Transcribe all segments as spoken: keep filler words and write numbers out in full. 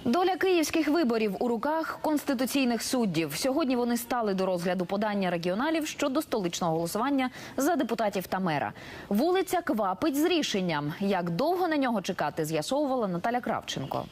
Доля київських виборів у руках конституційних суддів. Сьогодні вони стали до розгляду подання регіоналів щодо столичного голосування за депутатів та мера. Вулиця квапить з рішенням. Як довго на нього чекати, з'ясовувала Наталя Кравченко.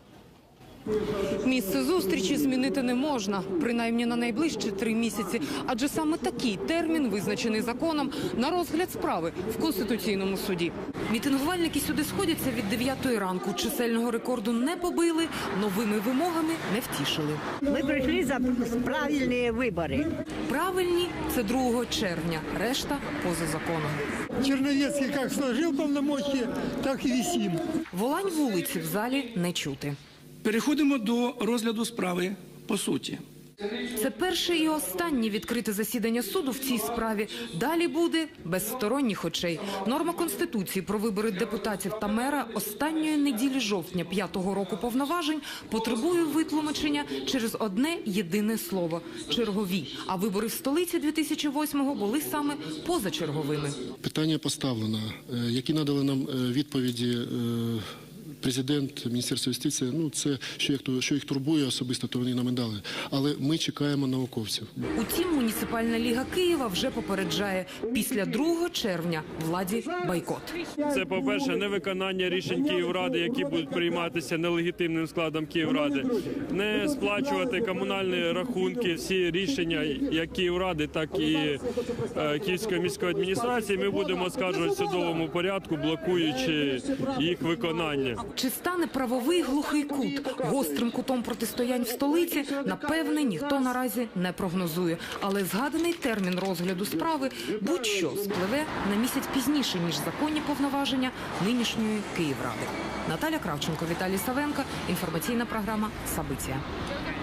Місце зустрічі змінити не можна, принаймні на найближчі три місяці. Адже саме такий термін визначений законом на розгляд справи в Конституційному суді. Мітингувальники сюди сходяться від дев'ятої ранку. Чисельного рекорду не побили, новими вимогами не втішили. Ми прийшли за правильні вибори. Правильні – це другого червня, решта – поза законом. Черновецкий как сложил полномочия, так и висим. Волань вулиці в залі не чути. Переходимо до розгляду справи по суті. Це перше і останнє відкрите засідання суду в цій справі. Далі буде без сторонніх очей. Норма Конституції про вибори депутатів та мера останньої неділі жовтня п'ятого року повноважень потребує витлумачення через одне єдине слово – чергові. А вибори в столиці дві тисячі восьмого були саме позачерговими. Питання поставлено. Які надали нам відповіді президент, Міністерство юстиції, ну це, що їх, що їх турбує особисто, то вони нам і дали. Але ми чекаємо науковців. Утім, Муніципальна ліга Києва вже попереджає – після другого червня владі бойкот. Це, по-перше, невиконання рішень Київради, які будуть прийматися нелегітимним складом Київради. Не сплачувати комунальні рахунки, всі рішення як Київради, так і е, Київської міської адміністрації ми будемо оскаржувати в судовому порядку, блокуючи їх виконання. Чи стане правовий глухий кут гострим кутом протистоянь в столиці, напевне, ніхто наразі не прогнозує. Але згаданий термін розгляду справи будь-що спливе на місяць пізніше, ніж законні повноваження нинішньої Київради. Наталя Кравченко, Віталій Савенко. Інформаційна програма «Сабиття».